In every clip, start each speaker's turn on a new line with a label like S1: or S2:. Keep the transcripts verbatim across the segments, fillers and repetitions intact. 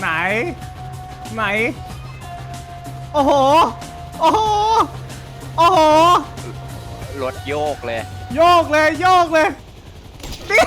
S1: ไหนไหนโอ้โหโอ้โหโอ้โห
S2: รถโยกเลย
S1: โยกเลยโยกเลยนี่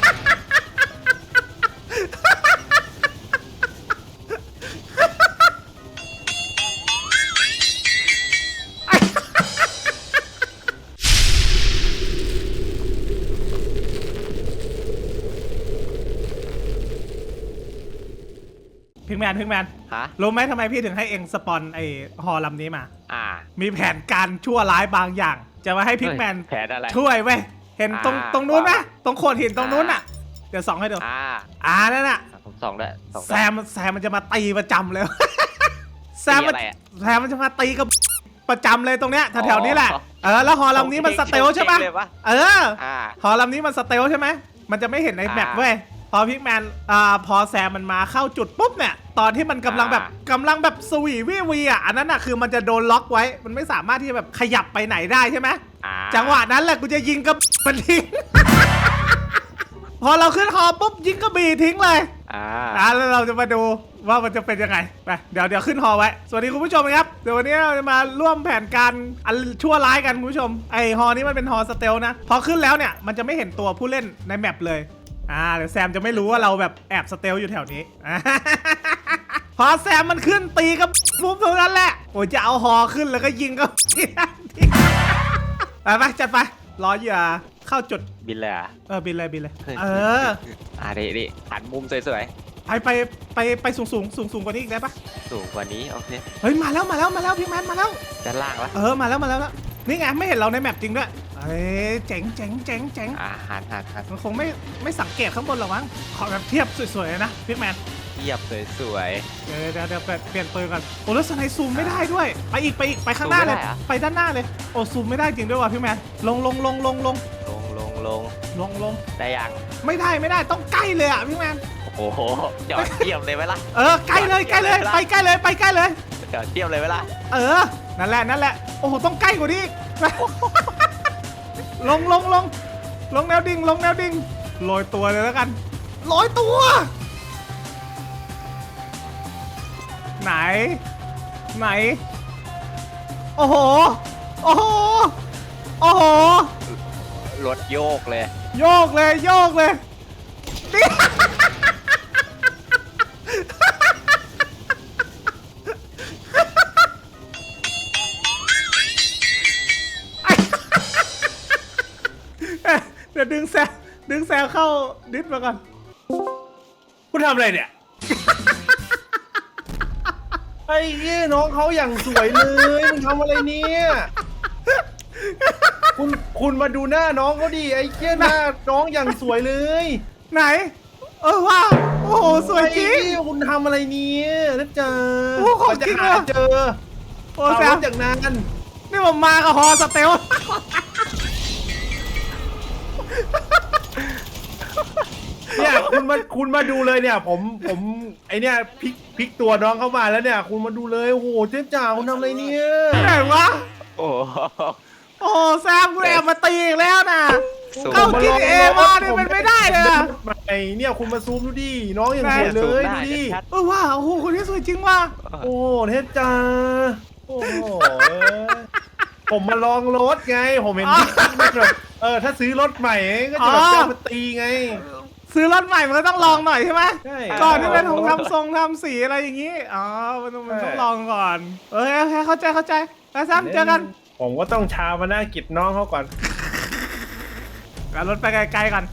S1: พิงแมนพิงแมน
S2: ฮะ
S1: รู้ไหมทำไมพี่ถึงให้เองสปอนไอฮอลำนี้มา
S2: อ่า
S1: มีแผนการชั่วร้ายบางอย่างจะมาให้พิงแมน
S2: แผนอะไร
S1: ช่วยเว้ยเห็นตรงตรงนู้นไหมตรงโขดหินตรงนู้นอ่ะเดี๋ยวส่องให้ดู
S2: อ่า
S1: อ่านั่นน่ะ
S2: ผมส่องด้วย
S1: แซมแซมมันจะมาตีประจำเลยแซมมันแซมมันจะมาตีกับประจำเลยตรงเนี้ยแถวๆนี้แหละเออแล้วฮอลำนี้มันสเตลใช่ปะเออฮอลำนี้มันสเตลใช่ไหมมันจะไม่เห็นในแมปเว้ยพอพิกแมนอ่าพอแซมมันมาเข้าจุดปุ๊บเนี่ยตอนที่มันกำลังแบบกำลังแบบสวีวีวีอ่ะอันนั้นอ่ะคือมันจะโดนล็อกไว้มันไม่สามารถที่จะแบบขยับไปไหนได้ใช่ไหมจังหวะนั้นแหละกูจะยิงกระบี่มันทิ้ง พอเราขึ้นฮอปุ๊บยิงกระบี่ทิ้งเลยอ่าแล้วเราจะมาดูว่ามันจะเป็นยังไงไปเดี๋ยวเดี๋ยวขึ้นฮอไว้สวัสดีคุณผู้ชมครับเดี๋ยววันนี้เราจะมาร่วมแผนการอันชั่วร้ายกันคุณผู้ชมไอฮอนี้มันเป็นฮอสเตลนะพอขึ้นแล้วเนี่ยมันจะไม่เห็นตัวผู้เล่นในแมปเลยอ่าเดี๋ยวแซมจะไม่รู้ว่าเราแบบแอบสเตลอยู่แถวนี้ พอแซมมันขึ้นตีกับปุ๊บเท่านั้นแหละโอ้ยจะเอาฮอขึ้นแล้วก็ยิงก็ ไปไปจัดไปรอเหยื่อเข้าจุด
S2: บินเลยอ่ะ
S1: เออบินเลยบินเลยเออ
S2: อ่าดิดิหันมุมสวย
S1: ๆไปไปไปไปสูงสูงสูงสูงกว่านี้อีกได้ปะ
S2: สูงกว่านี้โอเค
S1: เฮ้ยมาแล้วมาแล้วมาแล้วพี่แมนมาแล้ว
S2: ด้านล่างวะ
S1: เออมาแล้วมาแล้วนี่ไงไม่เห็นเราในแมปจริงด้วยเอ้ยเจ๋งเจ๋งเจ๋งเจ๋ง
S2: อ่าหันหันหัน
S1: มันคงไม่ไม่สังเกตข้างบนหรอกมั้งขอแบบเทียบสวยๆนะพี่แมน
S2: เทียบสวย
S1: ๆเดี๋ยวเดี๋ยวเดี๋ยวเปลี่ยนปืนก่อนโอ้แล้วสไนซูมไม่ได้ด้วยไปอีกไปอีกไปข้างหน้าเลยไปด้านหน้าเลยโอ้ซูมไม่ได้จริงด้วยว่ะพี่แมนลงลงลงลงลง
S2: ลงลงลง
S1: ลงลง
S2: ได้ยัง
S1: ไม่ได้ไม่ได้ต้องใกล้เลยอ่ะพี่แมน
S2: โอ้โหจอดเทียบเลยไหมล่ะ
S1: เออใกล้เลยใกล้เลยไปใกล้เลยไปใกล้เลย
S2: จอดเทียบเลยไหมล่ะ
S1: เออนั่นแหละนั่นแหละโอ้โหต้องใกล้กว่านี้ลงลงลงลงแนวดิ่งลงแนวดิ่งโรยตัวเลยแล้วกันโรยตัวไหนไหนโอ้โหโอ้โหโอ้โห
S2: รถโยกเลย
S1: โยกเลยโยกเลยเดี๋ยวดึงแซวดึงแซวเข้าดิสมาก่อน
S3: คุณทำอะไรเนี่ยไอ้เงี้ยน้องเขาอย่างสวยเลยมึงทำอะไรเนี่ยคุณคุณมาดูหน้าน้องเขาดิไอ้เงี้ยหน้าน้องอย่างสวยเลย
S1: ไหนเออว่าโอ้โหสวยจริง
S3: คุณทำอะไรเนี่ยนะจ๊ะ
S1: โอ้ของจริงเลย
S3: เจอโอ้แซมจากนั้น
S1: นี่ผมมากับฮอสเตล
S3: เนี่ยคุณมาคุณมาดูเลยเนี่ยผมผมไอเนี่ยพลิกพลิกตัวน้องเข้ามาแล้วเนี่ยคุณมาดูเลยโอ้โหเจ๊จ๋าคุณทำอะไรเนี่ย
S1: ไหนวะ
S2: โอ้
S1: โอ้แซมกูแอบมาตีอีกแล้วนะเข้าคิดเองว่านี่มันไม่ได้เลย
S3: ไอเนี่ยคุณมาซูมดูดิน้องอย่างสวยเลยดูดิ
S1: เออว้าโอ้โหคนนี้สวยจริงว่ะ
S3: โอ้เจ๊จ๋าโอ้ผมมาลองรถไงผมเห็นแบบเออถ้าซื้อรถใหม่ก็จะแบบจะมาตีไง
S1: ซื้อรถใหม่มันก็ต้องลองหน่อยใช่ไหมก่อนที่เป็นของทำทรงทำสีอะไรอย่างนี้อ๋อมันต้องมันต้องลองก่อนเออโอเคเข้าใจเข้าใจแล้วซ้ำเจอกัน
S3: ผมก็ต้องชามาหน้ากิจน้องเขาก่อน
S1: เอารถไปไกลๆก่อน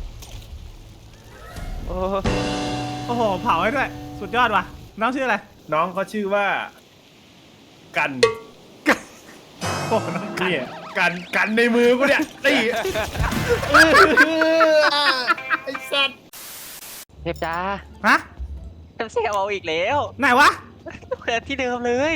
S1: โอ้โอ้โหเผาให้ด้วยสุดยอดว่ะน้องชื่ออะไร
S3: น้องเขาชื่อว่ากัน
S1: โอ้น้องกัน
S3: กันกันในมือกูเนี่ยตีไอ้สัตว์
S2: เทพจ้า
S1: ฮะ
S2: เทพเซลเอาอีกแล้ว
S1: ไหนวะ
S2: เดินที่เดิมเลย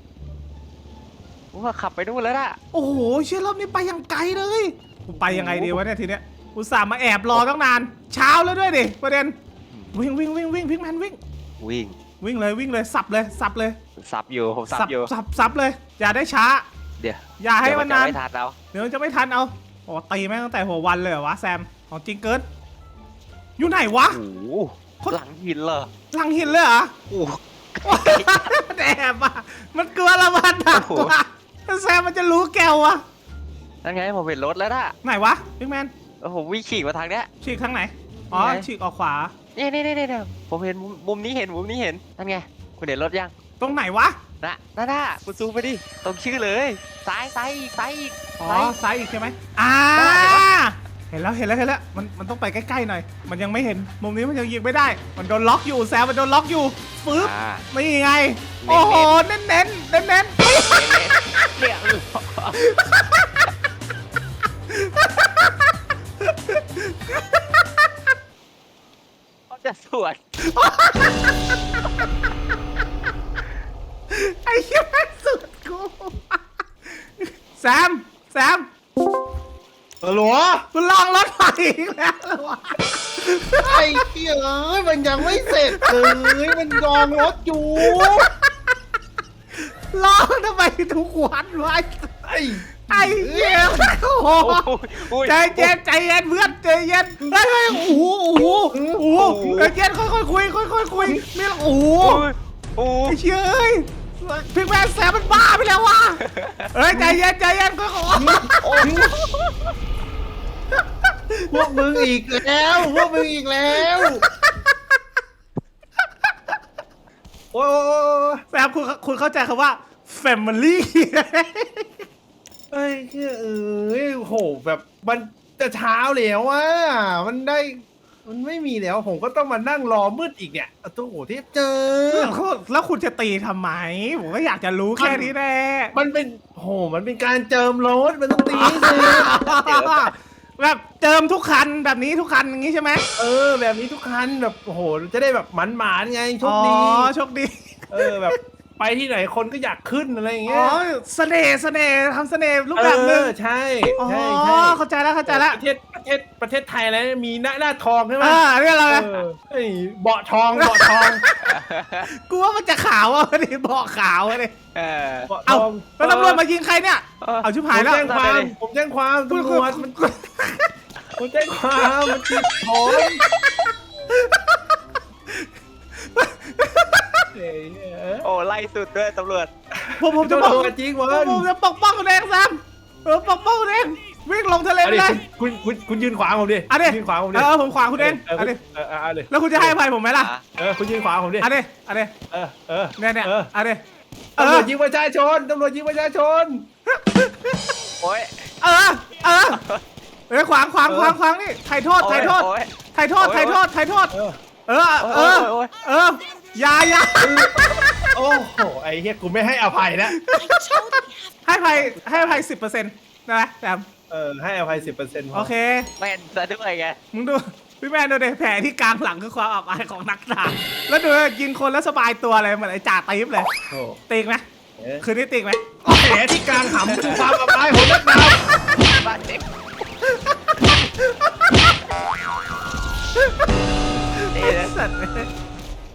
S2: ว่าขับไปนู่นแล้วล่ะ
S1: โอ้โหเชื่อรอบนี้ไปยังไกลเลยกูไปยังไงดีวะเนี่ยทีเนี้ยอุตส่าห์มาแอบรอตั้งนานเช้าแล้วด้วยดิประเด็นวิ่งวิ่งวิ่งวิ่งพิกแมนวิ่ง
S2: วิ่ง
S1: วิ่งเลยวิ่งเลยสับเลยสับเลย
S2: สับอยู่ผมสับอยู่
S1: สับสับเลยอย่าได้ช้า
S2: เดี๋ยว
S1: อย่าให้มันนาน
S2: ไม่ทันเรา
S1: เดี๋ยวจะไม่ทันเอาโอ้ตีแม่งตั้งแต่หัววันเลยเหรอวะแซมของจริงเกินอยู่ไหนวะ
S2: หลังหินเหรอ
S1: หลังหินเลยเหรอ
S2: โอ้
S1: แอบอ่ะมันกลัวละมันดักกว่าแซมมันจะรู้แกวอะ
S2: นั่นไงผมเห็นรถแล้วน่ะ
S1: ไหนวะบิ๊กแมน
S2: โอ้โหวิ่งขี่มาทางเนี้ย
S1: ฉีกทางไหนอ๋อ
S2: ไง
S1: ฉีกออกขวา
S2: นี่นี่นี่นี่ผมเห็นมุมมุมนี้เห็นมุมนี้เห็นนั่นไงคุณเห็นรถยัง
S1: ตรงไหนวะ
S2: น่ะนั่นน่ะคุณซูมไปดิตรงชื่อเลย ซ้ายซ้ายอีกซ้ายอีก
S1: อ๋อ
S2: ซ้าย
S1: ซ้ายอีกใช่ไหมอ่าเห็นแล้วเห็นแล้วเห็นแล้วมันมันต้องไปใกล้ๆหน่อย มันยังไม่เห็นมุมนี้มันยังยิงไม่ได้ มันโดนล็อกอยู่แซมมันโดนล็อกอยู่ฟืบ
S2: อ่า
S1: นี่ไง
S2: เน้นๆ
S1: โอ้โหเน้นเน้นเน้นเน้น
S2: เนี่ยเขาจะสวน
S1: ไอ้เหี้ยแม่งสุดกูแซมแซม
S3: เออหรอ
S1: คุณลองรถไฟอีกแล้วเหรอวะ
S3: ไอ้เหี้ยเอ้ยมันยังไม่เสร็จเลยมันรองรถอยู่
S1: ลองทำไมทุกวันวะ
S3: ไอ้
S1: ไอ้เหี้ยโอ้โห
S2: โอ้ย
S1: ใจเย็นใจเย็นเพื่อนใจเย็นเฮ้ยเฮ้ยโอ้โหโอ้โหโอ้โหใจเย็นค่อยๆคุยค่อยๆคุยไม่ละโอ้โห
S2: โอ้ย
S1: ไอ้เชี่ยเอ้ยพี่แมนแซมมันบ้าไปแล้ววะเฮ้ยใจเย็นใจเย็นค่อยๆ
S2: โอ้ย
S3: พวกมึงอีกแล้วพวกมึงอีกแล้วโอ้ย
S1: แซมคุณคุณเข้าใจคำว่า family
S3: ไอ้เหี้ยเอ้ยโหแบบมันจะเช้าแล้วอ่ะมันได้มันไม่มีแล้วผมก็ต้องมานั่งรอมืดอีกเนี่ยโอ้โหที่เจอ
S1: แล้วคุณจะตีทำไม ผมก็อยากจะรู้แค่นี้แน่
S3: มันเป็นโหมันเป็นการเจิมรถมันต้องตีให้เสร็จ
S1: แบบเจิมทุกคันแบบนี้ทุกคันอย่างนี้ใช่ไหม
S3: เออแบบนี้ทุกคันแบบโอ้โหจะได้แบบหมันหมานๆไงโชคดี
S1: อ๋อโชคดี
S3: เออแบบไปที่ไหนคนก็อยากขึ้นอะไรอย่าง
S1: อ๋
S3: เงี้
S1: อย เสน่ห์เสน่ห์ทำเสน่ห์รูปแบบหนึง
S3: เออใช่
S1: อ๋อ
S3: ใช่ใช่
S1: เข้าใจแล้วเข้าใจแล้ว
S3: ประเทศประเทศประเทศไทยแล้วมีหน้าหน้าทองใช่ไหม
S1: อ่าเรียกอะไรนะ
S3: เออเฮ้ยเบาะทองเบาะทอง
S1: กูว่ามันจะขาวอ่ะดิบอกขาวอ่ะดิ
S2: เออ
S3: เบาะท
S1: เอ้า
S3: อง
S1: แล้วตำรวจมายิงใครเนี่ย
S2: เออ
S1: เอาชิบ
S3: ผ
S1: หาย
S3: ม
S1: แล้ว
S3: แจ้งความผมแจ้งความ
S1: คุณ
S3: ตำร
S1: คุณ
S3: วจมันผมแจ้งความมันติดผมเฮ้ยเอ้ย
S2: โอ้ไล่สุดด้วยตำรวจ
S1: ผมผมจะปก
S3: ตำรวจจริงเว้ย
S1: ผมจะปกป้องคุณเองแซมเออปกป้องคุณเองวิ่งลงทะเล
S3: เอา
S1: ไป
S3: ดิ
S1: เลย
S3: คุณคุณคุณยืนขวางผมดิ
S1: เอาดิ
S3: ยืนขวางผมดิ
S1: เออผมขวางคุณเอง
S3: เออ
S1: เอาดิ
S3: เออเออเอาดิ
S1: แล้วคุณจะให้อภัยผมไหมล่ะ
S3: เออคุณยืนขวางผมดิ
S1: เอาดิเอาดิ
S3: เออเออ
S1: เนี่ยเนี่ย
S3: เออ
S1: เอาดิเอ
S3: ตำร
S1: อ
S3: วจยิงประชาชนตำรวจยิงประชาชน
S2: โอ้ย
S1: เออเออเออขวางขวางขวางขวางนี่ไถ่โทษไถ่โทษ
S2: โอ้ย
S1: ไถ่โทษไถ่โทษไถ่โทษ
S3: เออ
S1: เออเออ
S2: โอ้ย
S1: เอออย่าอย่า
S3: โอ้โหไอ้เหี้ยกูไม่ให้อภัยนะ
S1: ให้อภัยให้อภัยสิบเปอร์เซ็นต์นะแซม
S3: เออให้อภัยสิบเปอร์เซ็นต์
S1: โอเค
S2: แม่นซะด้วยไง
S1: มึงดูพี่แมนดูดิแผลที่กลางหลังคือความอับอายของนักดาบแล้วดูยิงคนแล้วสบายตัวเลยเหมือนไอ้จ่าตีฟเลย
S3: โอ้
S1: ตีกไหม
S3: เอ๊ะ
S1: คืนนี้ตีกไหม
S3: แผลที่กลางหำคือความอับอาย